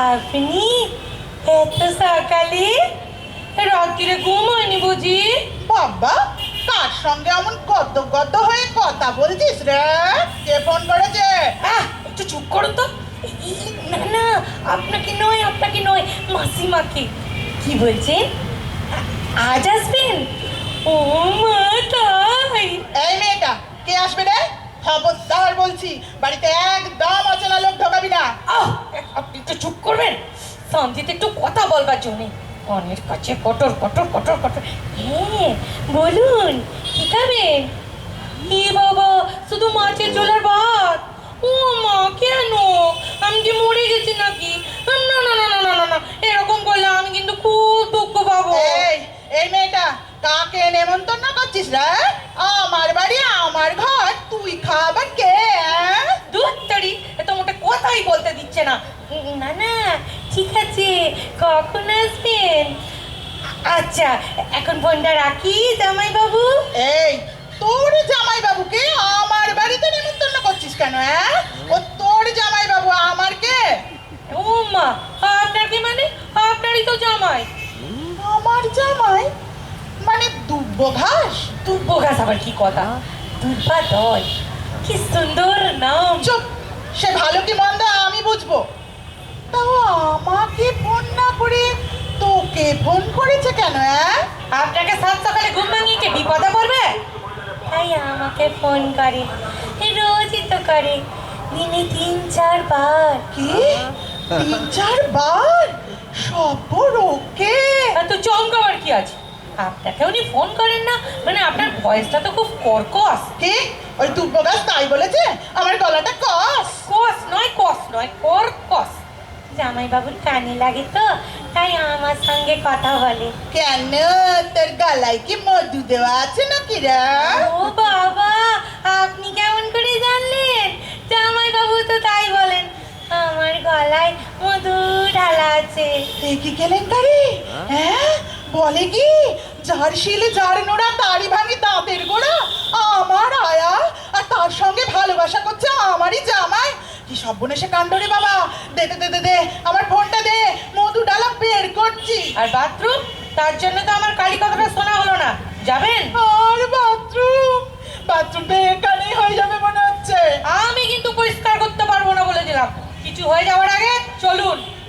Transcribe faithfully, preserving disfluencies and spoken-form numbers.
আপনি এত সকালে? রাত্রিরে ঘুম হয়নি বুঝি? বাবা, কার সঙ্গে এমন গদ্দ গদ্দ হয়ে কথা বলছিস রে? কে ফোন করেছে? আহ, একটু চুপ করুন তো। ই- না না, আপনাকে নয়, আপনাকে নয়, মাসিমাকে। কি বলছেন? আ- আজ আসবেন? ও মা, তাই? এই মেয়েটা কে আসবে রে? খবরদার বলছি, বাড়িতে একদম অচেনা লোক ঢোকাবি না। আহ, আপনি একটু চুপ করবেন? শান্তিতে একটু কথা বলবার জন্যে অনেক কাছে কটর কটর কটর কটর। হ্যাঁ, বলুন, কি খাবেন? এ বাবা, শুধু মাছের ঝোলার ভাত? ও মা, কেন? আমি কি মরে গেছি নাকি? না না না না না না না, এরকম করলে আমি কিন্তু খুব দুঃখ পাবো। এই এই মেয়েটা কাকে নেমন্তন্ন করছিস রে? আমার বাড়ি আমার ঘর, তুই খাবার কে? হ্যাঁ? দুধ তাড়ি, এ তো মোটে কথাই বলতে দিচ্ছে না। না না, ঠিক আছে, কখন আসবেন? আচ্ছা, এখন ফোনটা রাখি জামাই বাবু। এই, তোর জামাই বাবুকে আমার বাড়িতে নেমন্তন্ন করছিস কেন? হ্যাঁ, ও তোর জামাই বাবু, আমার কে? ও মা, আপনার কি মানে? আপনারই তো জামাই। আমার জামাই মানে দুব্বো ঘাস? দুব্বো ঘাস আবার কি কথা? দুব্বা দল, কি সুন্দর নাম। চুপ, সে ভালো কি মন্দ আমি বুঝবো। তাও আমাকে ফোন না করে তোকে ফোন করেছে কেন? হ্যাঁ, আপনাকে সাত সকালে ঘুম ভাঙিয়ে কে বিপদে পড়বে? তাই আমাকে ফোন করে, রোজই তো করে, দিনে তিন চারবার। কি তিন চারবার? সব ওকে? এত চমকাবার কি আছে? আপনাকে উনি ফোন করেন না মানে আপনার ভয়েসটা তো খুব কর্কশ। কি ওই দুব্বো গাছ তাই বলেছে? আমার গলাটা কস? কস নয়, কস নয়, কর্কশ। জামাই বাবুর কানে লাগে তো, তাই আমার সঙ্গে কথা বলে। কেন, তোর গলায় কি মধু দেওয়া আছে নাকি রে? ও বাবা, আপনি কেমন করে জানলেন? জামাই বাবু তো তাই বলেন, আমার গলায় মধু ঢালা আছে। এই কি কেলেঙ্কারি? হ্যাঁ, বলে কি যার শিলে যার নোড়া তারই ভাঙি দাঁতের গোড়া? আমার আয়া, আর তার সঙ্গে ভালোবাসা করছে আমারই জামাই। কি সর্বনেশে কাণ্ড রে বাবা! দে দে দে দে দে আমার ফোনটা দে, মধু ডালা বের করছি। আর বাথরুম, তার জন্য তো আমার কালী কথাটা শোনা হলো না। যাবেন? আর বাথরুম? বাথরুমটা এখানেই হয়ে যাবে মনে হচ্ছে। আমি কিন্তু পরিষ্কার করতে পারবো না বলে দিলাম। কিছু হয়ে যাওয়ার আগে চলুন।